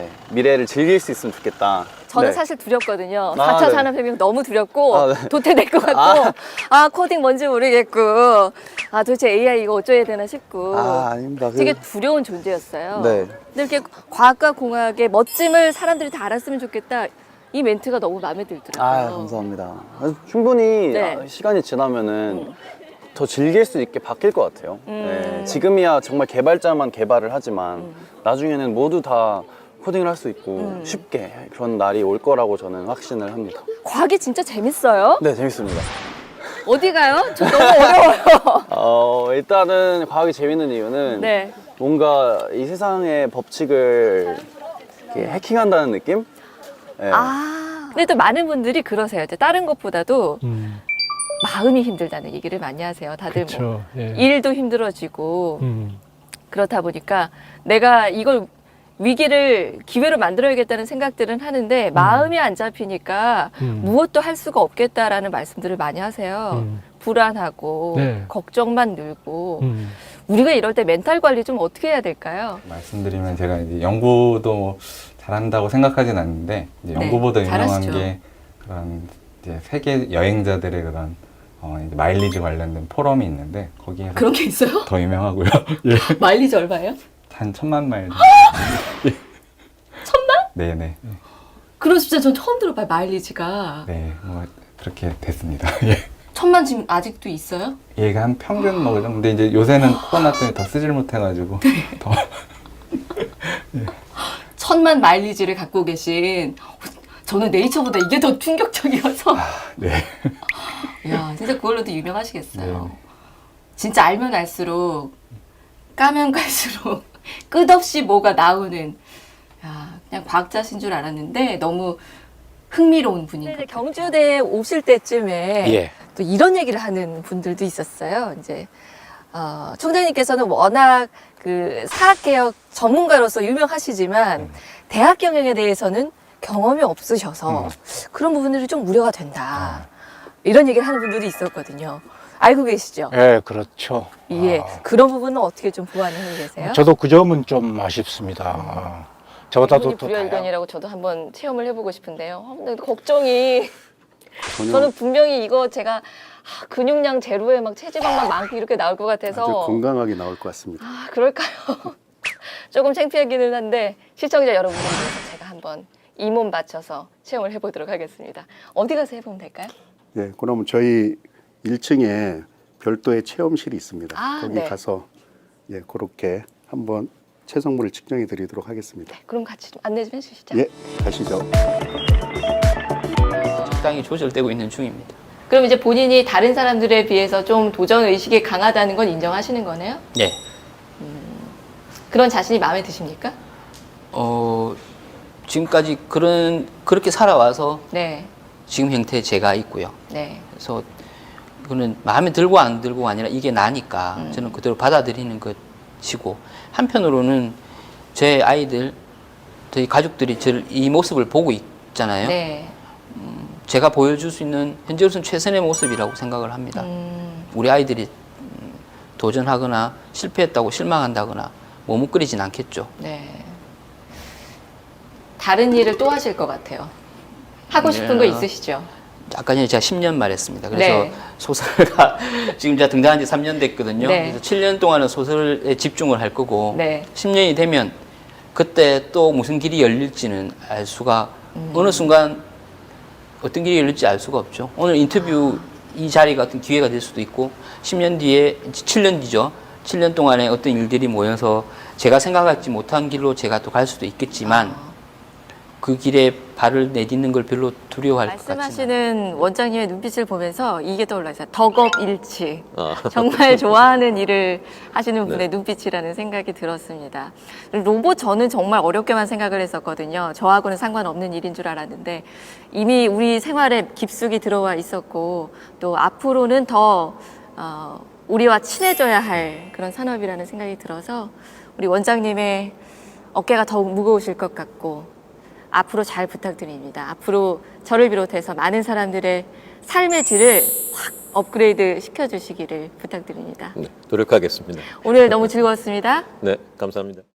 미래를 즐길 수 있으면 좋겠다. 저는 네. 사실 두렵거든요. 아, 4차 네. 산업혁명 너무 두렵고 네. 도태될 것 같고 코딩 뭔지 모르겠고 도대체 AI 이거 어쩌야 되나 싶고 아닙니다. 되게 두려운 존재였어요. 네. 근데 이렇게 과학과 공학의 멋짐을 사람들이 다 알았으면 좋겠다. 이 멘트가 너무 마음에 들더라고요. 감사합니다. 충분히 네. 시간이 지나면은 더 즐길 수 있게 바뀔 것 같아요. 네. 지금이야 정말 개발자만 개발을 하지만 나중에는 모두 다 코딩을 할 수 있고 쉽게 그런 날이 올 거라고 저는 확신을 합니다. 과학이 진짜 재밌어요? 네, 재밌습니다. 어디 가요? 저 너무 어려워요. 일단은 과학이 재밌는 이유는 네. 뭔가 이 세상의 법칙을 이렇게 해킹한다는 느낌? 네. 근데 또 많은 분들이 그러세요. 이제 다른 것보다도 마음이 힘들다는 얘기를 많이 하세요. 다들 그쵸, 예. 일도 힘들어지고 그렇다 보니까 내가 이걸 위기를 기회로 만들어야겠다는 생각들은 하는데 마음이 안 잡히니까 무엇도 할 수가 없겠다라는 말씀들을 많이 하세요. 불안하고 네. 걱정만 늘고 우리가 이럴 때 멘탈 관리 좀 어떻게 해야 될까요? 말씀드리면 제가 이제 연구도 잘한다고 생각하진 않는데 이제 네, 연구보다 유명한 잘하시죠. 게 그런 이제 세계 여행자들의 그런 이제 마일리지 관련된 포럼이 있는데 거기에서 그런 게 있어요? 더 유명하고요. 예. 마일리지 얼마예요? 한 1000만 마일. 예. 1000만? 네네. 그런 숫자 전 처음 들어봐요. 마일리지가. 네, 뭐 그렇게 됐습니다. 예. 1000만 지금 아직도 있어요? 얘가 한 평균 뭐 근데 이제 요새는 코로나 때문에 더 쓰질 못해가지고 더 1000만 마일리지를 갖고 계신 저는 네이처보다 이게 더 충격적이어서 네. 야 진짜 그걸로도 유명하시겠어요. 네. 진짜 알면 알수록 까면 갈수록 끝없이 뭐가 나오는 그냥 과학자신 줄 알았는데 너무 흥미로운 분인 것 같아요. 경주대에 오실 때쯤에 또 이런 얘기를 하는 분들도 있었어요. 이제 총장님께서는 워낙 그 사학개혁 전문가로서 유명하시지만 대학 경영에 대해서는 경험이 없으셔서 그런 부분들이 좀 우려가 된다. 이런 얘기를 하는 분들이 있었거든요. 알고 계시죠? 네, 그렇죠. 예, 그런 부분은 어떻게 좀 보완을 하고 계세요? 저도 그 점은 좀 아쉽습니다. 저보다도 이분이 또 불여일견이라고 저도 한번 체험을 해보고 싶은데요. 근데 걱정이 전혀 저는 분명히 이거 제가 근육량 제로에 막 체지방만 많고 이렇게 나올 것 같아서 아주 건강하게 나올 것 같습니다. 그럴까요? 조금 창피하기는 한데 시청자 여러분들 위해서 제가 한번 이 몸 바쳐서 체험을 해보도록 하겠습니다. 어디 가서 해보면 될까요? 예, 그러면 저희 1층에 별도의 체험실이 있습니다. 거기 네. 가서 그렇게 한번 체성물을 측정해 드리도록 하겠습니다. 그럼 같이 좀 안내 좀 해주시죠. 예, 가시죠. 적당히 조절되고 있는 중입니다. 그럼 이제 본인이 다른 사람들에 비해서 좀 도전 의식이 강하다는 건 인정하시는 거네요? 네. 그런 자신이 마음에 드십니까? 지금까지 그렇게 살아와서 네, 지금 형태의 제가 있고요. 네. 그래서 이거는 마음에 들고 안 들고가 아니라 이게 나니까 저는 그대로 받아들이는 것이고 한편으로는 제 아이들, 저희 가족들이 이 모습을 보고 있잖아요. 네. 제가 보여줄 수 있는 현재로서는 최선의 모습이라고 생각을 합니다. 우리 아이들이 도전하거나 실패했다고 실망한다거나 머뭇거리진 않겠죠. 네. 다른 일을 또 하실 것 같아요. 하고 싶은 거 있으시죠? 아까 전에 제가 10년 말했습니다. 그래서 네. 소설가 지금 제가 등단한 지 3년 됐거든요. 네. 그래서 7년 동안은 소설에 집중을 할 거고 네. 10년이 되면 그때 또 무슨 길이 열릴지는 알 수가 어느 순간 어떤 길이 열릴지 알 수가 없죠. 오늘 인터뷰 이 자리가 어떤 기회가 될 수도 있고 10년 뒤에 7년 뒤죠. 7년 동안에 어떤 일들이 모여서 제가 생각하지 못한 길로 제가 또 갈 수도 있겠지만 그 길에 발을 내딛는 걸 별로 두려워할 것 같지는 않아요. 말씀하시는 원장님의 눈빛을 보면서 이게 떠올라요. 덕업일치. 정말 좋아하는 일을 하시는 분의 눈빛이라는 생각이 들었습니다. 로봇 저는 정말 어렵게만 생각을 했었거든요. 저하고는 상관없는 일인 줄 알았는데 이미 우리 생활에 깊숙이 들어와 있었고 또 앞으로는 더 우리와 친해져야 할 그런 산업이라는 생각이 들어서 우리 원장님의 어깨가 더욱 무거우실 것 같고 앞으로 잘 부탁드립니다. 앞으로 저를 비롯해서 많은 사람들의 삶의 질을 확 업그레이드 시켜주시기를 부탁드립니다. 네, 노력하겠습니다. 오늘 너무 즐거웠습니다. 네, 감사합니다.